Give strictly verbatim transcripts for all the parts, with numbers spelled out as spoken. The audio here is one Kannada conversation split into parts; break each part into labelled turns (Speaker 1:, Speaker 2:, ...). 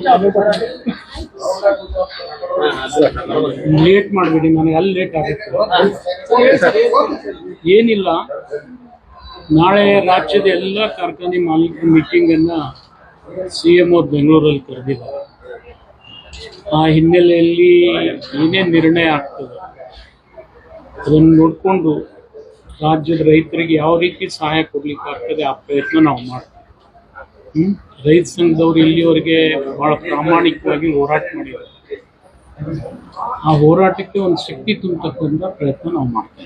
Speaker 1: ಲೇಟ್ ಮಾಡಬೇಡಿ, ನನಗೆ ಅಲ್ಲಿ ಲೇಟ್ ಆಗುತ್ತೆ. ಏನಿಲ್ಲ, ನಾಳೆ ರಾಜ್ಯದ ಎಲ್ಲ ಕಾರ್ಖಾನೆ ಮಾಲೀಕರ ಮೀಟಿಂಗ್ ಅನ್ನ ಸಿ ಎಂ ಅವ್ರು ಬೆಂಗಳೂರಲ್ಲಿ ಕರೆದಿದ್ದಾರೆ. ಆ ಹಿನ್ನೆಲೆಯಲ್ಲಿ ಏನೇನು ನಿರ್ಣಯ ಆಗ್ತದೆ ಅದನ್ನು ನೋಡಿಕೊಂಡು ರಾಜ್ಯದ ರೈತರಿಗೆ ಯಾವ ರೀತಿ ಸಹಾಯ ಕೊಡ್ಲಿಕ್ಕೆ ಆಗ್ತದೆ ಆ ಪ್ರಯತ್ನ ನಾವು ಮಾಡ್ತೀವಿ. ಹ್ಮ್ ರೈತ ಸಂಘದವ್ರು ಇಲ್ಲಿವರೆಗೆ ಬಹಳ ಪ್ರಾಮಾಣಿಕವಾಗಿ ಹೋರಾಟ ಮಾಡಿದ್ದಾರೆ. ಆ ಹೋರಾಟಕ್ಕೆ ಒಂದು ಶಕ್ತಿ ತುಂಬತಕ್ಕಂಥ ಪ್ರಯತ್ನ ನಾವು ಮಾಡ್ತಾ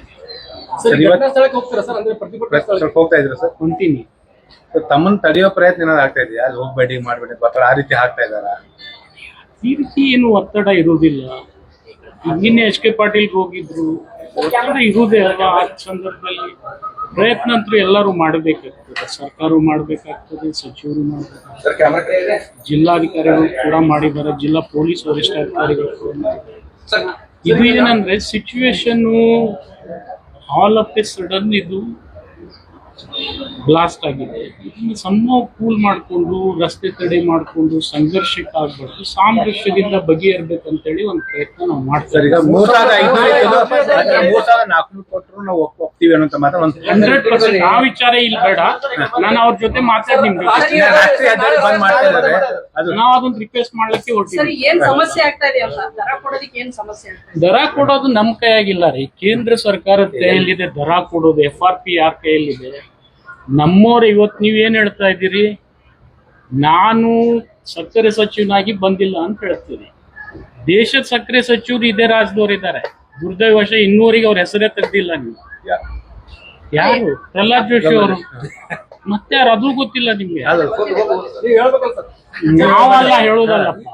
Speaker 2: ಇದ್ದೀವಿ.
Speaker 1: ಕಂಟಿನ್ಯೂ
Speaker 2: ತಮ್ಮನ್ನ ತಡೆಯೋ ಪ್ರಯತ್ನ ಏನಾದ್ರು ಆಗ್ತಾ ಇದೆಯಾ? ಅಲ್ಲಿ ಹೋಗ್ಬೇಡಿ ಮಾಡ್ಬೇಡಿ ಒತ್ತಡ ಆ ರೀತಿ ಆಗ್ತಾ ಇದಾರ?
Speaker 1: ಈ ರೀತಿ ಏನು ಒತ್ತಡ ಇರುವುದಿಲ್ಲ. ನಿನ್ನೆ ಎಚ್ ಕೆ ಪಾಟೀಲ್ ಹೋಗಿದ್ರು, ಒತ್ತಡ ಇರುವುದೇ ಅಲ್ವಾ. ಆ ಸಂದರ್ಭದಲ್ಲಿ ಪ್ರಯತ್ನ ಅಂತೂ ಎಲ್ಲರೂ ಮಾಡಬೇಕಾಗ್ತದೆ. ಸರ್ಕಾರ ಮಾಡಬೇಕಾಗ್ತದೆ, ಸಚಿವರು ಮಾಡಬೇಕಾಗ್ತದೆ, ಜಿಲ್ಲಾಧಿಕಾರಿಗಳು ಕೂಡ ಮಾಡಿದ್ದಾರೆ, ಜಿಲ್ಲಾ ಪೊಲೀಸ್ ವರಿಷ್ಠಾಧಿಕಾರಿಗಳು ಕೂಡ ಮಾಡಿದ್ದಾರೆ. ಇದು ಏನಂದ್ರೆ situation all of a sudden ಇದು ಬ್ಲಾಸ್ಟ್ ಆಗಿದೆ. ಇದನ್ನು ಸಂಭವ ಕೂಲ್ ಮಾಡಿಕೊಂಡು ರಸ್ತೆ ತಡೆ ಮಾಡಿಕೊಂಡು ಸಂಘರ್ಷಕ್ಕೆ ಆಗ್ಬಾರ್ದು, ಸಾಮರಸ್ಯದಿಂದ ಬಗೆಹರ್ಬೇಕಂತೇಳಿ ಒಂದು ಪ್ರಯತ್ನ ನಾವು ಮಾಡ್ತಾರೆ. ಹಂಡ್ರೆಡ್ ಪರ್ಸೆಂಟ್ ಆ ವಿಚಾರ ಇಲ್ಲಿ ಬೇಡ. ನಾನು ಅವ್ರ ಜೊತೆ ಮಾತಾಡಿ ನಿಮ್ಗೆ ನಾವು ಅದೊಂದು ರಿಕ್ವೆಸ್ಟ್ ಮಾಡ್ಲಿಕ್ಕೆ ಹೊರಟಿದ್ದೀವಿ. ದರ ಕೊಡೋದು ನಮ್ ಕೈಯಾಗಿಲ್ಲ ರೀ, ಕೇಂದ್ರ ಸರ್ಕಾರದ ಕೈಯಲ್ಲಿದೆ ದರ ಕೊಡೋದು. ಎಫ್ ಆರ್ ಪಿ ಯಾರ ಕೈಯಲ್ಲಿದೆ? ನಮ್ಮವ್ರು ಇವತ್ತು ನೀವೇನ್ ಹೇಳ್ತಾ ಇದ್ದೀರಿ, ನಾನು ಸಕ್ಕರೆ ಸಚಿವನಾಗಿ ಬಂದಿಲ್ಲ ಅಂತ ಹೇಳ್ತೀರಿ. ದೇಶದ ಸಕ್ಕರೆ ಸಚಿವರು ಇದೇ ರಾಜ್ಯದವ್ರು ಇದ್ದಾರೆ. ದುರ್ದೈವಶ ಇನ್ನೂರಿಗೆ ಅವ್ರ ಹೆಸರೇ ತೆಗ್ದಿಲ್ಲ. ನೀವು ಯಾರು? ಪ್ರಹ್ಲಾದ್ ಜೋಶಿ ಅವರು. ಮತ್ತೆ ಯಾರು? ಅದು ಗೊತ್ತಿಲ್ಲ ನಿಮ್ಗೆ. ನಾವೆಲ್ಲ ಹೇಳೋದಲ್ಲಪ್ಪ,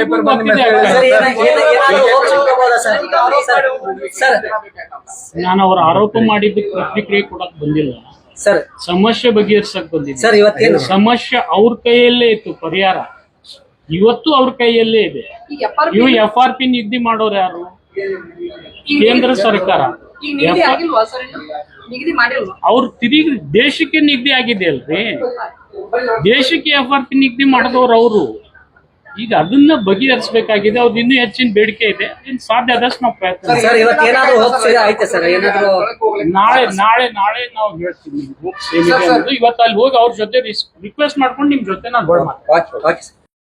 Speaker 1: ನಾನು ಅವ್ರ ಆರೋಪ ಮಾಡಿದ್ದಕ್ಕೆ ಪ್ರತಿಕ್ರಿಯೆ ಕೊಡಕ್ ಬಂದಿಲ್ಲ ಸರ್. ಸಮಸ್ಯೆ ಬಗೆಹರಿಸಕ್ ಬಂದಿದೆ. ಸಮಸ್ಯೆ ಅವ್ರ ಕೈಯಲ್ಲೇ ಇತ್ತು, ಪರಿಹಾರ ಇವತ್ತು ಅವ್ರ ಕೈಯಲ್ಲೇ ಇದೆ. ಇವು ಎಫ್ ಆರ್ ಪಿ ನಿಗದಿ ಮಾಡೋರು ಯಾರು? ಕೇಂದ್ರ ಸರ್ಕಾರ. ಅವ್ರು ತಿರುಗಿ ದೇಶಕ್ಕೆ ನಿಗದಿ ಆಗಿದೆ ಅಲ್ರಿ, ದೇಶಕ್ಕೆ ಎಫ್ ಆರ್ ಪಿ ನಿಗದಿ ಮಾಡಿದವ್ರು ಅವರು. ಈಗ ಅದನ್ನ ಬಗೆಹರಿಸಬೇಕಾಗಿದೆ. ಅವ್ರದ್ದು ಇನ್ನೂ ಹೆಚ್ಚಿನ ಬೇಡಿಕೆ ಇದೆ, ಸಾಧ್ಯ ಆದಷ್ಟು ನಾವು ಪ್ರಯತ್ನ. ನಾಳೆ ನಾಳೆ ನಾಳೆ ನಾವು ಹೇಳ್ತೀವಿ. ಇವತ್ತು ಅಲ್ಲಿ ಹೋಗಿ ಅವ್ರ ಜೊತೆ ರಿಕ್ವೆಸ್ಟ್ ಮಾಡ್ಕೊಂಡು ನಿಮ್ ಜೊತೆ ನಾನು